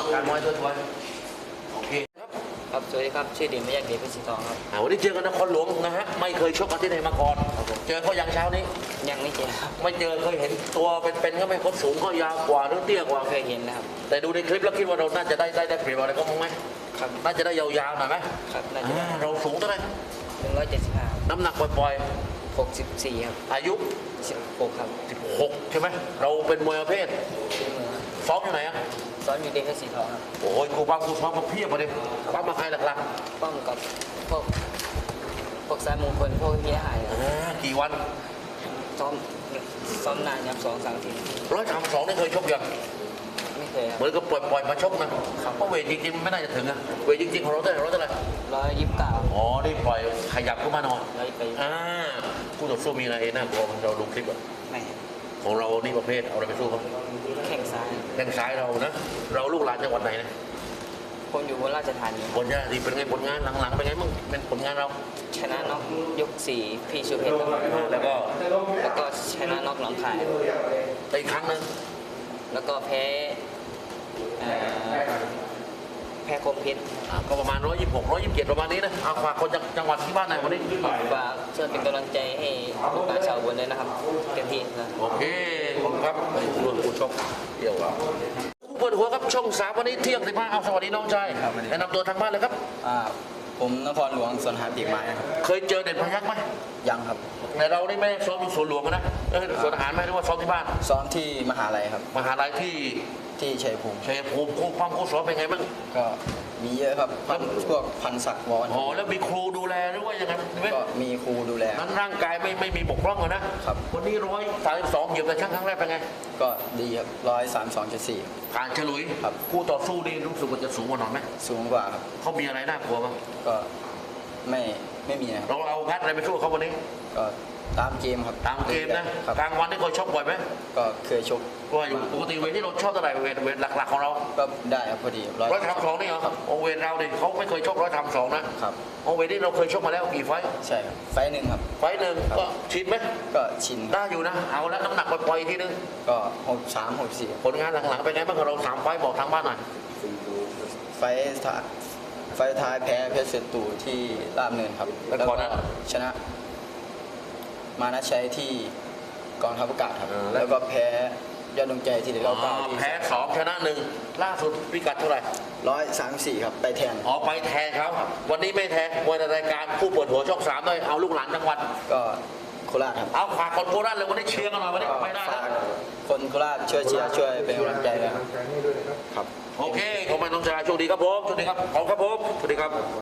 วงการมวยด้วยโอเคครับครับสวัสดีครับชื่อเด่นไม่ยากเด็กเพชรสีทองครับวันนี้เจอกันนครหลวงนะฮะไม่เคยชกกันที่ไหนมาก่อนเจอเขาอย่างเช้านี้ยังไม่เจอครับไม่เจอเคยเห็นตัวเป็นๆก็ไม่คนสูงก็ยาวกว่าหรือเตี้ยกว่าเคยเห็นนะครับแต่ดูในคลิปแล้วคิดว่าเราน่าจะได้เปรียบอะไรก็มั้งไหมครับน่าจะได้ยาวๆหน่อยไหมครับน่าจะเราสูงเท่าไหร่ 175 น้ำหนักปล่อย 64ครับอายุ 16ครับ 16ใช่ไหมเราเป็นมวยประเภทซ้อมอยู่ไหนอ่ะซ้อมอยู่เด็กเพชรสีทองครับโอ้ยกูซ้อมมาเพียบเลยซ้อมมาใครหลักๆป้อมกับพวกสายมงคลพวกเฮียหายกี่วันซ้อมนานครับ2-3 ที 132นี่เคยชกยังไม่เคยครับเหมือนก็ปล่อยมาชกนะเพราะเวทจริงๆไม่น่าจะถึงอะเวทจริงๆของเราเท่าไหร่ 129 อ๋อได้ปล่อยขยับขึ้นมาหน่อยไปคู่ต่อสู้มีอะไรน่ากลัวเราดูคลิปอะไม่ของเรานี่ประเภทเอาอะไรไปสู้เขาแข้งซ้ายเรานะเราลูกหลานจังหวัดไหนนะคนอยู่บนราชธานีบนราชธานีเป็นไงผลงานหลังๆเป็นไงมั่งเป็นผลงานเราชนะน็อกยก4พี่ชูเพชรแล้วก็ชนะน็อกหนองคายอีกครั้งนึงแล้วก็แพ้คมเพชรก็ประมาณ126 127ประมาณนี้นะเอาฝากคนจังหวัดที่บ้านไหนวันนี้ฝากช่วยเป็นกำลังใจให้ลูกหลานชาวอุบลด้วยนะครับเต็มที่นะโอเคขอบคุณครับร่วมผู้ชมเดี่ยวคู่เปิดหัวครับช่อง3วันนี้เที่ยง15เอาสวัสดีน้องชายแนะนำตัวทางบ้านเลยครับผมนครหลวงสวนหาปีกไม้ครับเคยเจอเด่นพยัคฆ์ไหมยังครับแต่เรานี่ไม่ได้ซ้อมอยู่สวนหลวงนะสวนอาหารไหมหรือว่าซ้อมที่บ้านซ้อมที่มหาลัยครับมหาลัยที่ชัยภูมิคู่ซ้อมเป็นไงบ้างก็มีเยอะครับพวกพันศักดิ์วอนอ๋อแล้วมีครูดูแลหรือว่ายังไงก็มีครูดูแลนั้นร่างกายไม่มีบกพร่องเลยนะครับวันนี้132เหยียบแต่ช่างครั้งแรกเป็นไงก็ดีครับ132.4 ผ่านฉลุยครับคู่ต่อสู้นี่รู้สึกว่าจะสูงกว่าหน่อยไหมสูงกว่าครับเขามีอะไรน่ากลัวบ้างก็ไม่มีครับเราเอาพัดอะไรไปสู้เขาวันนี้ก็ตามเกมครับตามเกมนะกลางวันนี่เคยชกบ่อยไหมก็เคยชกก็อยู่ปกติเวทที่เราชอบเท่าไหร่เวทหลักๆของเราก็ได้ครับพอดี 132นี่เหรอโอเวทเราดิเขาไม่เคยชก132นะครับโอเวทนี่เราเคยชกมาแล้วกี่ไฟใช่ไฟหนึ่งครับไฟหนึ่งก็ชินไหมก็ชินได้อยู่นะเอาแล้วน้ำหนักปล่อยทีนึงก็63 64 ผลงานหลังๆเป็นไงบ้างเรา3ไฟบอกทางบ้านหน่อยไฟท้ายแพ้เพชรเสตูที่ราบเนินครับแล้วก็ชนะมานะชัยที่กองทัพอากาศครับแล้วก็แพ้ยอดดวงใจที่แพ้2ชนะ1ล่าสุดพิกัดเท่าไหร่ 134ครับไปแทนไปแทนเขาวันนี้ไม่แทนมวยในรายการผู้เปิดหัวช่อง3ด้วยเอาลูกหลานจังหวัดก็โคราชครับเอาฝากคนโคราชเลยวันนี้เชียร์กันหน่อยวันนี้ไปได้ฝากคนโคราชช่วยเชียร์ช่วยเป็นกำลังใจด้วยครับโอเคขอบคุณน้องชายโชคดีครับผมโชคดีครับขอบคุณครับผมสวัสดีครับ